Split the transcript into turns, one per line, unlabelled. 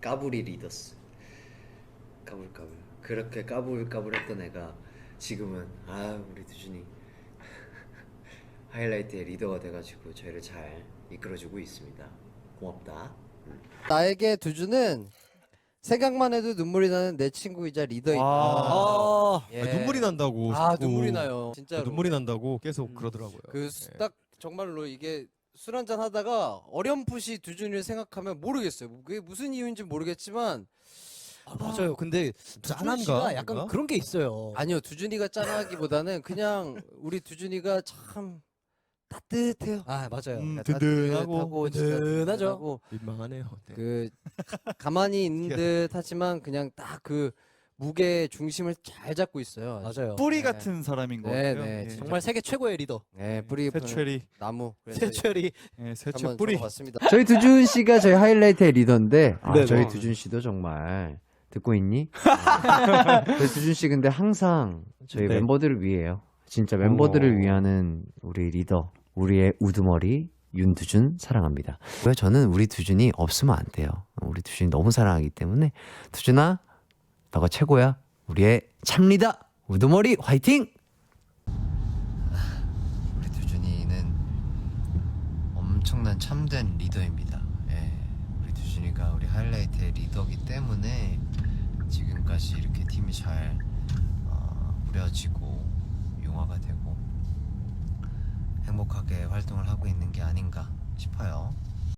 까불이 리더스. 까불까불. 그렇게 까불까불했던 애가 지금은 우리 두준이 하이라이트의 리더가 돼가지고 저희를 잘 이끌어주고 있습니다. 고맙다.
나에게 두준은 생각만 해도 눈물이 나는 내 친구이자 리더이다. 예.
눈물이 난다고. 자꾸.
눈물이 나요. 진짜로.
눈물이 난다고 계속 그러더라고요.
그 딱 정말로 이게 술 한잔 하다가 어렴풋이 두준이를 생각하면 모르겠어요. 그게 무슨 이유인지 모르겠지만
맞아요. 근데
짠한가?
두준 씨가 약간
뭔가?
그런 게 있어요.
아니요, 두준이가 짠하기보다는 그냥 우리 두준이가 참 따뜻해요.
맞아요.
든든하고
진짜
든든하죠.
든든하고
민망하네요. 네.
그 가만히 있는 듯 하지만 그냥 딱 그 무게 중심을 잘 잡고 있어요.
맞아요.
뿌리
네.
같은 사람인 것
네,
같아요.
네,
예.
정말 세계 최고의 리더.
네, 뿌리
새철이,
나무. 그래서
세철이.
예, 새철
한번
뿌리.
적어봤습니다. 저희 두준 씨가 저희 하이라이트의 리더인데
네네.
저희 두준 씨도 정말 듣고 있니? 저희 두준 씨 근데 항상 저희
네.
멤버들을 위해요. 진짜 멤버들을 위하는 우리 리더, 우리의 우두머리 윤두준 사랑합니다. 왜 저는 우리 두준이 없으면 안 돼요. 우리 두준이 너무 사랑하기 때문에 두준아, 너가 최고야. 우리의 참리더 우두머리 화이팅! 우리 두준이는 엄청난 참된 리더입니다. 예, 우리 두준이가 우리 하이라이트의 리더기 때문에 지금까지 이렇게 팀이 잘 꾸려지고 융화가 되고 행복하게 활동을 하고 있는 게 아닌가 싶어요.